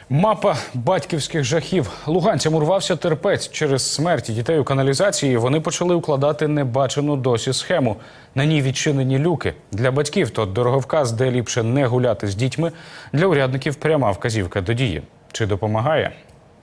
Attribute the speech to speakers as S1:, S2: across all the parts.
S1: Мапа батьківських жахів. Луганцям урвався терпець. Через смерті дітей у каналізації вони почали укладати небачену досі схему. На ній відчинені люки. Для батьків то дороговказ, де ліпше не гуляти з дітьми. Для урядників пряма вказівка до дії. Чи допомагає?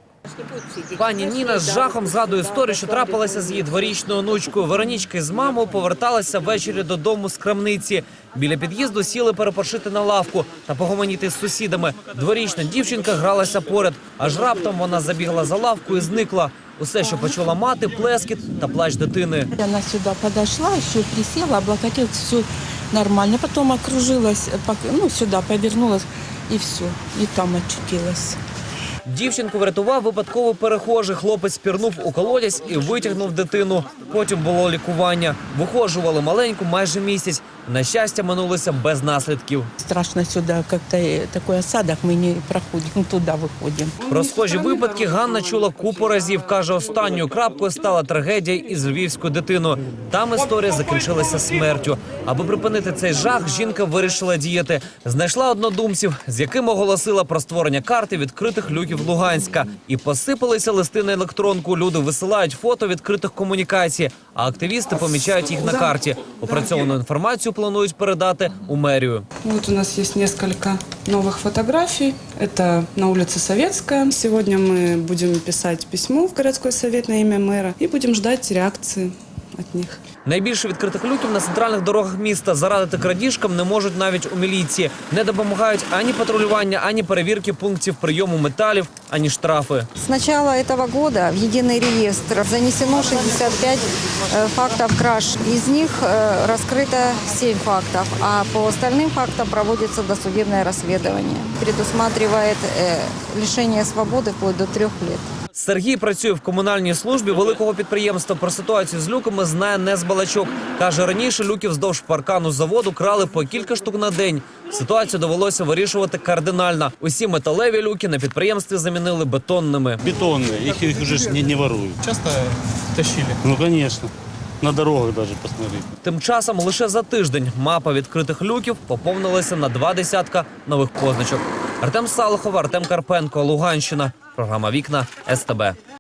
S2: Пані Ніна з жахом згадує історію, що трапилася з її дворічною онучкою. Веронічка з мамою поверталася ввечері додому з крамниці. Біля під'їзду сіли перепочити на лавку та погомоніти з сусідами. Дворічна дівчинка гралася поряд, аж раптом вона забігла за лавку і зникла. Усе, що почула мати, плескіт та плач дитини.
S3: Она сюда подошла, еще присела, облокотилась, все нормально. Потом окружилась, сюда повернулась и все, и там очутилась.
S2: Дівчинку врятував випадково перехожий. Хлопець пірнув у колодязь і витягнув дитину. Потім було лікування. Вихожували маленьку майже місяць. На щастя, минулося без наслідків.
S3: Страшно сюда, как-то такой осадок, мы не проходим, туда выходим.
S2: Про схожі випадки Ганна чула купу разів. Каже, останньою крапкою стала трагедія із львівською дитиною. Там історія закінчилася смертю. Аби припинити цей жах, жінка вирішила діяти. Знайшла однодумців, з якими оголосила про створення карти відкритих люків Луганська. І посипалися листи на електронку. Люди висилають фото відкритих комунікацій, а активісти помічають їх на карті. Опрацьовану інформацію планують передати у мерію.
S4: Вот у нас есть несколько новых фотографий. Это на улице Советская. Сегодня мы будем писать письмо в городской совет на имя мэра и будем ждать реакции от них.
S2: Найбільше відкритих люків на центральних дорогах міста. Зарадити крадіжкам не можуть навіть у міліції. Не допомагають ані патрулювання, ані перевірки пунктів прийому металів, ані штрафи.
S5: С начала этого года в единый реестр занесено 65 фактов краж. Из них раскрыто 7 фактов, а по остальным фактам проводится досудебное расследование. Предусматривает лишение свободы вплоть до 3 лет.
S2: Сергій працює в комунальній службі великого підприємства. Про ситуацію з люками знає не з балачок. Каже, раніше люків вздовж паркану заводу крали по кілька штук на день. Ситуацію довелося вирішувати кардинально. Усі металеві люки на підприємстві замінили бетонними.
S6: Бетонные, их уже не воруют.
S7: Часто тащили?
S6: Ну, конечно. На дорогах даже посмотреть.
S2: Тим часом лише за тиждень мапа відкритих люків поповнилася на 20 нових позначок. Артем Салахов, Артем Карпенко, Луганщина. Програма «Вікна», СТБ.